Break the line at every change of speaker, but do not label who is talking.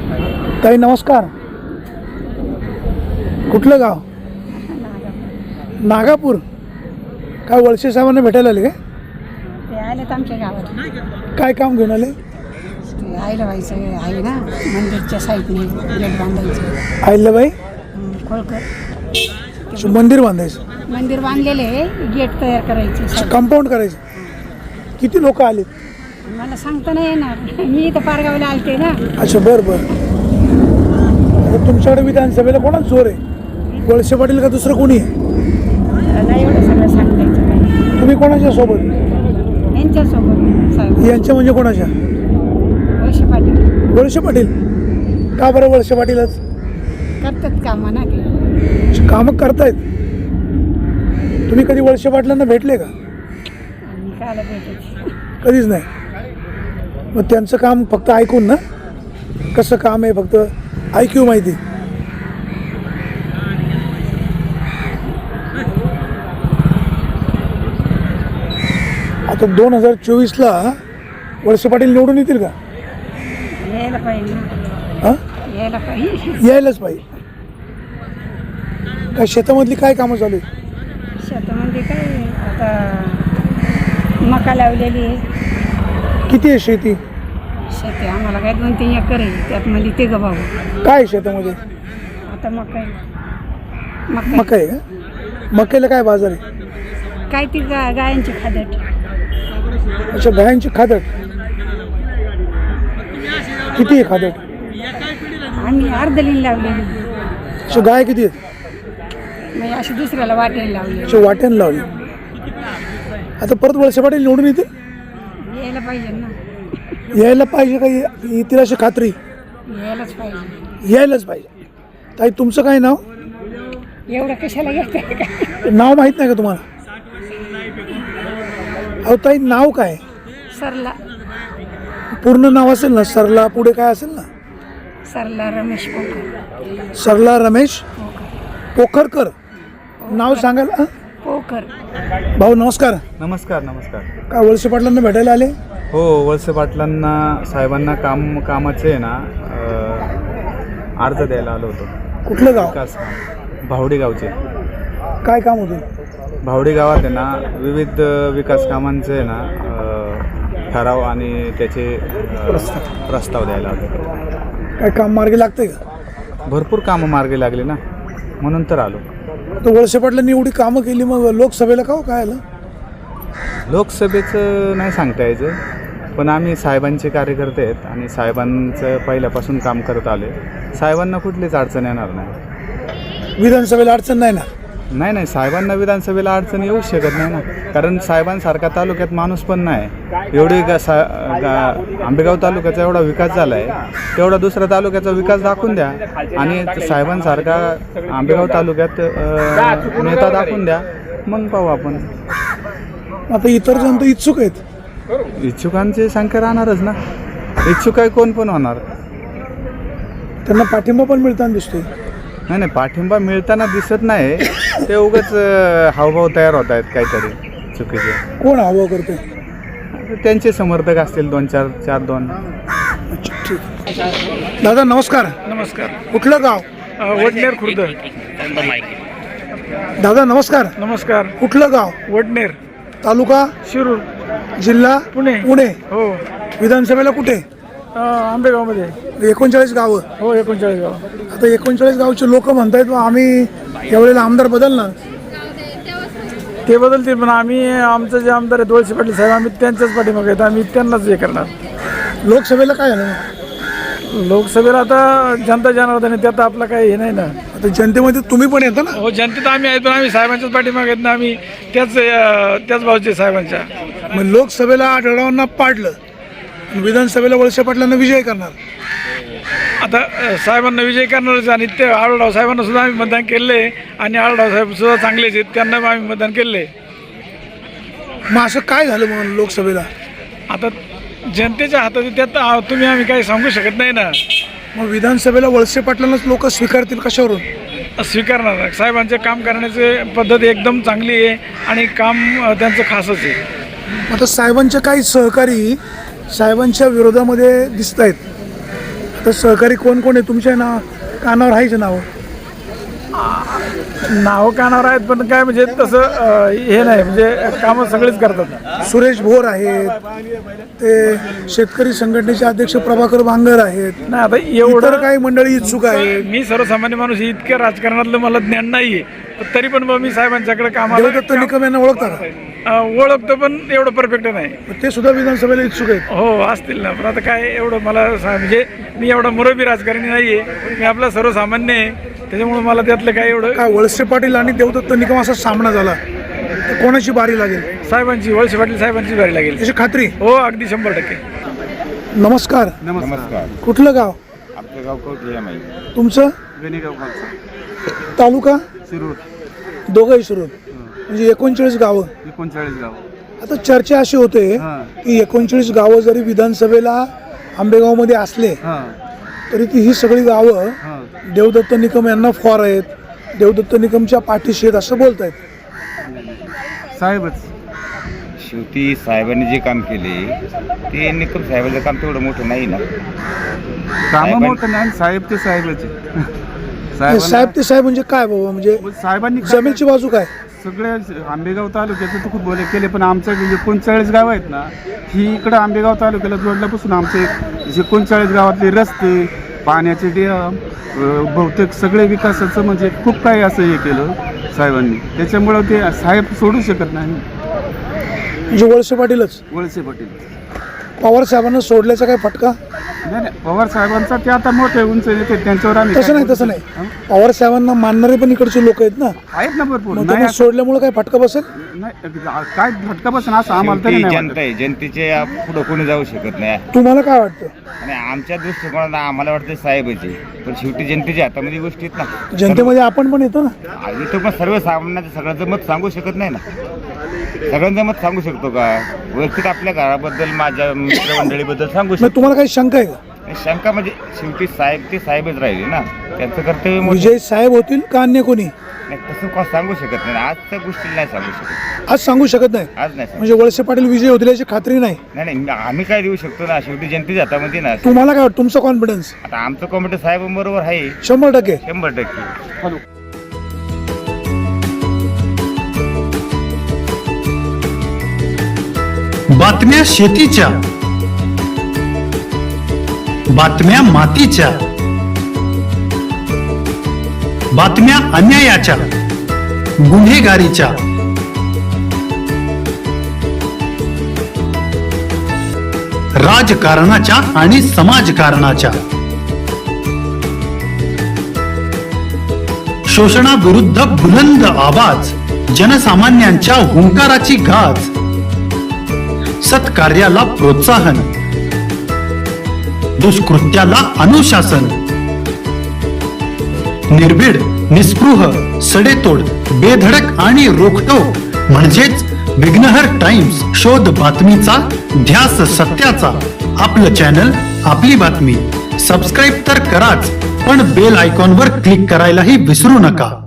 ताई नमस्कार. कुठलं गाव? नागापूर. काय वळसे साहेबांना भेटायला आले काय?
ते आलेत आमच्या गावात.
काय काम घेऊन आले?
आईला व्हायचं आहे ना, मंदिरच्या साईडने गेट बांधायचं.
अहिल्याबाई
खोळकर
मंदिर बांधायचं.
मंदिर बांधलेले आहे, गेट तयार करायचे,
कंपाऊंड करायचं. किती लोक आले?
मला सांगता नाही येणार. मी इथं पारगावला आलते ना.
अच्छा बरं बरं. तुमच्याकडे विधानसभेला कोणाच जोर आहे? वळसे पाटील का दुसरं कोणी आहे?
नाही एवढं सगळं सांगायचं.
तुम्ही कोणाच्या सोबत?
यांच्यासोबत साहेब.
यांच्या म्हणजे कोणाच्या?
वळसे पाटील
वळसे पाटील. का बरं वळसे पाटीलच?
करतात कामं ना ते.
कामं करतायत. तुम्ही कधी वळसे पाटलांना भेटले का?
आणि कायला भेटायचं?
कधीच नाही. मग त्यांचं काम फक्त ऐकून ना, कसं काम आहे फक्त ऐकू माहिती. आता 2024ला वळसे पाटील निवडून येतील का?
यायला पाहिजे ना.
हां
यायला पाहिजे.
यायलाच पाहिजे. काय शेतामधली काय कामं चालू आहेत?
शेतामध्ये काय आता मका लावलेली आहे.
किती आहे शेती?
शेती आम्हाला काय 2-3 एकर आहे, त्यात मध्ये ते भाऊ.
काय आहे शेतामध्ये?
आता मका
मका आहे का? मक्याला काय बाजार आहे?
काय ती गायांची खादट.
अच्छा गायांची खादट. किती आहे खादट?
आम्ही अर्धलीन लावलेली.
अच्छा गाय किती आहेत?
म्हणजे अशी दुसऱ्याला वाटेल लावली.
अच्छा वाट्यानं लावली. आता परत वळसे पाटील निवडून येतील?
यायला पाहिजे ना.
यायला पाहिजे का? येतील अशी खात्री?
यायलाच पाहिजे.
यायलाच पाहिजे. ताई तुमचं काय नाव?
एवढं कशाला येते का?
नाव माहीत नाही का तुम्हाला? अहो ताई नाव काय?
सरला.
पूर्ण नाव असेल ना? सरला पुढे काय असेल ना?
सरला रमेश पोखर.
सरला रमेश पोखरकर. नाव सांगाल?
पोखर.
भाऊ नमस्कार.
नमस्कार. नमस्कार.
काय वळसे पाटलांना भेटायला आले?
हो वळसे पाटलांना साहेबांना कामाचे आहे ना अर्ज द्यायला आलो होतो.
कुठलं गाव?
विकास काम भावडी गावचे.
काय काम होतं?
भावडी गावात आहे ना विविध विकास कामांचे आहे ना ठराव आणि त्याचे प्रस्ताव द्यायला आलो.
काय काम मार्गी लागतंय का?
भरपूर कामं मार्गी लागली ना, म्हणून तर आलो.
तर वळसे पाटलांनी एवढी कामं केली, मग लोकसभेला का हो काय आलं?
लोकसभेचं नाही सांगता यायचं, पण आम्ही साहेबांचे कार्यकर्ते आहेत आणि साहेबांचं पहिल्यापासून काम करत आलो आहे. साहेबांना कुठलीच अडचण येणार नाही.
विधानसभेला अडचण नाही ना?
नाही साहेबांना विधानसभेला अडचण येऊ शकत नाही ना, कारण साहेबांसारखा तालुक्यात माणूस पण नाही. एवढी आंबेगाव तालुक्याचा एवढा विकास झाला आहे, तेवढा दुसऱ्या तालुक्याचा विकास दाखवून द्या आणि साहेबांसारखा आंबेगाव तालुक्यात नेता दाखवून द्या, मग पाहू आपण.
आता इतर जण तर इच्छुक आहेत.
इच्छुकांची संख्या राहणारच ना. इच्छुक आहे कोण पण होणार.
त्यांना पाठिंबा पण मिळताना दिसतोय.
नाही पाठिंबा मिळताना दिसत नाही, ते उगाच हावभाव तयार होत आहेत काहीतरी चुकीचे.
कोण हवा करते?
त्यांचे समर्थक असतील 2-4-2.
अच्छा ठीक. दादा नमस्कार.
नमस्कार.
कुठलं गाव?
वडनेर खुर्द.
दादा नमस्कार.
नमस्कार.
कुठलं गाव?
वडनेर
तालुका
शिरूर
जिल्हा
पुणे.
पुणे.
हो.
विधानसभेला कुठे?
आंबेगावमध्ये.
39 गावं.
हो 39 गाव.
आता 39 गावचे लोक म्हणतायत आम्ही यावेळेला आमदार बदलणार.
ते बदलतील, पण आम्ही आमचं जे आमदार आहेत वळसे पाटील साहेब, आम्ही त्यांच्याच पाठीमागे आहेत. आम्ही त्यांनाच हे करणार.
लोकसभेला काय झालं?
लोकसभेला आता जनता जनार्दन आहे, त्यात आपलं काही हे नाही ना.
आता जनतेमध्ये तुम्ही पण येता ना?
हो जनतेत आम्ही आहेत, पण आम्ही साहेबांच्याच पाठीमागे आहेत ना. आम्ही त्याच भावचे साहेबांच्या.
मग लोकसभेला आढळरावांना पाडलं, विधानसभेला वळसे पाटलांना विजय करणार.
आता साहेबांना विजय करणारच आणि ते आढळराव साहेबांना सुद्धा आम्ही मतदान केलं आहे आणि आढळराव साहेब सुद्धा चांगलेच आहेत, त्यांना आम्ही मतदान केलं आहे.
मग असं काय झालं म्हणून लोकसभेला?
आता जनतेच्या हातात आहे, त्यात तुम्ही आम्ही काही सांगू शकत नाही ना.
मग विधानसभेला वळसे पाटलांनाच लोक स्वीकारतील कशावरून?
स्वीकारणार. साहेबांचे काम करण्याची पद्धत एकदम चांगली आहे आणि काम त्यांचं खासच आहे.
आता साहेबांचे काही सहकारी साहेबांच्या विरोधामध्ये दिसत आहेत. तर सहकारी कोण कोण आहे तुमच्या कानावर आहेच नाव?
नाव कानावर आहेत पण काय म्हणजे तसं हे नाही, म्हणजे कामं सगळेच करतात.
सुरेश भोर आहेत, ते शेतकरी संघटनेचे अध्यक्ष प्रभाकर बांगर आहेत,
नाही आता
इतर
एवढं
काही मंडळी इच्छुक आहेत.
मी सर्वसामान्य माणूस आहे, इतक्या राजकारणातलं मला ज्ञान नाहीये, पण तरी पण मग मी साहेबांच्याकडे
देवदत्त निकम यांना ओळखता का?
ओळखतो पण एवढं परफेक्ट नाही.
ते सुद्धा विधानसभेला इच्छुक आहेत.
हो असतील ना, पण आता काय एवढं मला म्हणजे मी एवढा मुरबी राजकारणी नाहीये, मी आपला सर्वसामान्य आहे, त्याच्यामुळे मला त्यातलं काय एवढं.
काय वळसे पाटील आणि देवदत्त निकम असा सामना झाला तर कोणाची बारी लागेल?
साहेबांची, वळसे पाटील साहेबांची बारी लागेल.
याची खात्री?
हो अगदी 100%.
नमस्कार.
नमस्कार.
कुठलं गाव?
आपलं गाव कवठे आहे.
तुमचं?
गणेगाव खालचा.
तालुका?
शिरूर.
दोघंही सुरू, म्हणजे 39 गावं.
39 गाव.
आता चर्चा अशी होते की 39 गावं जरी विधानसभेला आंबेगावमध्ये असले तरी ती ही सगळी गावं देवदत्त निकम यांना फॉर आहेत, देवदत्त निकमच्या पाठीशी आहेत असं बोलतायत.
साहेबच शेवटी साहेबांनी जे काम केले ते निकम साहेबांचं काम तेवढं मोठं नाही ना. काम मोठं नाही, साहेब ते साहेबच
साहेब ते साहेब म्हणजे काय बाबा? म्हणजे
साहेबांनी
जमीनची बाजू काय?
सगळे आंबेगाव तालुक्याचं तर खूप बोले केले, पण आमचं 39 गाव आहेत ना, ही इकडं आंबेगाव तालुक्याला जोडल्यापासून आमचे 39 गावातले रस्ते, पाण्याचे डॅम, बहुतेक सगळे विकासाचं म्हणजे खूप काही असं हे केलं साहेबांनी. त्याच्यामुळं ते साहेब सोडू शकत नाही.
म्हणजे वळसे पाटीलच?
वळसे पाटील.
पवार साहेबांना सोडल्याचा काय फटका?
नाही, पवार साहेबांचा ते आता मोठे उंच येते त्यांच्यावर आम्ही
तसं नाही. पवार साहेबांना मानणारे पण इकडचे लोक आहेत ना,
आहेत ना भरपूर.
मग त्यांना सोडल्यामुळे काय फटका बसेल?
नाही, काय फटका बसून असं आम्हाला तरी नाही
जनता आहे, जनतेच्या पुढं कोणी जाऊ शकत नाही.
तुम्हाला काय वाटतं?
आणि आमच्या दृष्टिकोनात आम्हाला वाटतं साहेबाचे, पण शेवटी जनतेच्या हातामध्ये गोष्टी आहेत ना.
जनतेमध्ये आपण पण येतो ना.
आधी तर पण सर्वसामान्यांचं सगळ्यांचं मत सांगू शकत नाही ना. सगळ्यांचं मत सांगू शकतो का? व्यवस्थित आपल्या घराबद्दल, माझ्या मित्रमंडळीबद्दल सांगू
मग
शकतो.
तुम्हाला काही शंका आहे का?
शंका म्हणजे शेवटी साहेब ते साहेबच राहिले ना, त्यांचं कर्तव्य मोठं.
विजय साहेब होतील का अन्य कोणी?
नाही, तसं का सांगू शकत नाही. आजच्या गोष्टीला नाही सांगू शकत.
आज सांगू शकत नाही.
आज नाही सांगू.
म्हणजे वळसे पाटील विजय होतील याची खात्री नाही.
नाही, आम्ही काय देऊ शकतो ना, शेवटी जनतेच्या हातामध्ये ना.
तुम्हाला काय वाटतं? तुमचा कॉन्फिडन्स?
आता आमचं कॉमेंट साहेबांबरोबर आहे
100%.
100%.
बातम्या शेतीच्या, बातम्या मातीच्या, बातम्या अन्यायाच्या, गुन्हेगारीच्या, राजकारणाच्या आणि समाजकारणाच्या, शोषणाविरुद्ध बुलंद आवाज, जनसामान्यांच्या हुंकाराची गाज, सत्कार्याला प्रोत्साहन, दुष्कृत्याला अनुशासन, निर्भीड, निस्पृह, सडेतोड, बेधडक आणि रोखटोक म्हणजेच विघ्नहर टाइम्स. शोध बातमीचा, ध्यास सत्याचा. आपलं चॅनल, आपली बातमी. सबस्क्राईब तर कराच, पण बेल आयकॉनवर क्लिक करायलाही विसरू नका.